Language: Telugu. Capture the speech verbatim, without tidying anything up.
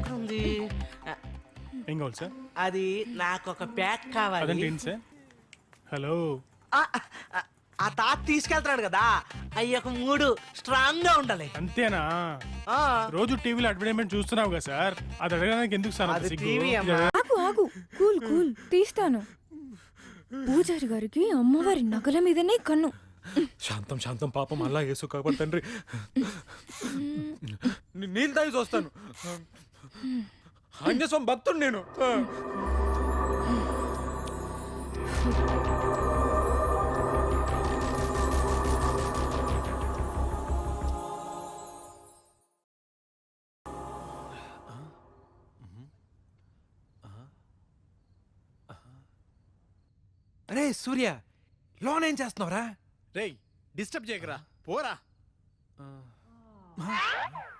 ఎక్కడుంది? ఏం కావాలి సార్? అది నాకు ఒక ప్యాక్ కావాలి. అదంటే ఏంటి సార్? హలో, ఆ, ఆ, ఆ తాత తీసుకెళ్తున్నాడు కదా, అవి ఒక మూడు స్ట్రాంగ్ గా ఉండాలి. అంతేనా? ఆ, రోజు టీవీలో అడ్వర్టైజ్మెంట్ చూస్తున్నావు కదా సార్, అది అడగడానికి ఎందుకు సార్ అంత అది సిగ్గు? టీవీ అమ్మా. ఆగు ఆగు కూల్ కూల్ తీస్తాను. పూజారి గారికి అమ్మవారి నగల మీదనే కన్ను. శాంతం శాంతం పాపం అలా యేసు కాబట్టి తండ్రి నీ- నీళ్ళు తాగి చూస్తాను. ఆంజనేయస్వామి భక్తుడు నేను. అరే సూర్య, లోన్ ఏం చేస్తున్నావురా? రేయ్ డిస్టర్బ్ చేయకరా, పోరా.